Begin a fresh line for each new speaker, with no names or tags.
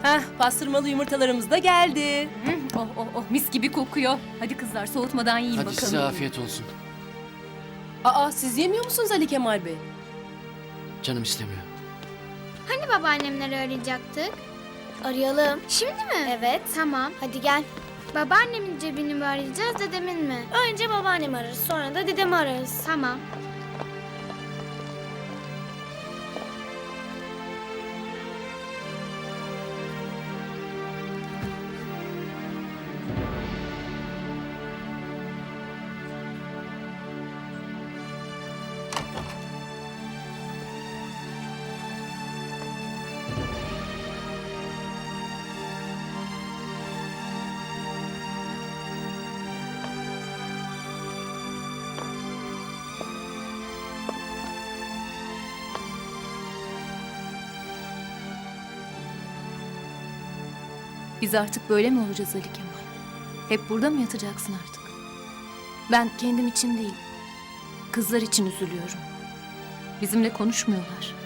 Heh, pastırmalı yumurtalarımız da geldi.
Oh oh oh, mis gibi kokuyor. Hadi kızlar, soğutmadan yiyin
Hadi
bakalım.
size afiyet olsun.
Aa, siz yemiyor musunuz Ali Kemal Bey?
Canım istemiyor.
Hani babaannemleri arayacaktık?
Arayalım.
Şimdi mi?
Evet.
Tamam.
Hadi gel.
Babaannemin cebini mi arayacağız, dedemin mi?
Önce babaannemi ararız, sonra da dedemi ararız.
Tamam.
Biz artık böyle mi olacağız Ali Kemal? Hep burada mı yatacaksın artık? Ben kendim için değil, kızlar için üzülüyorum. Bizimle konuşmuyorlar.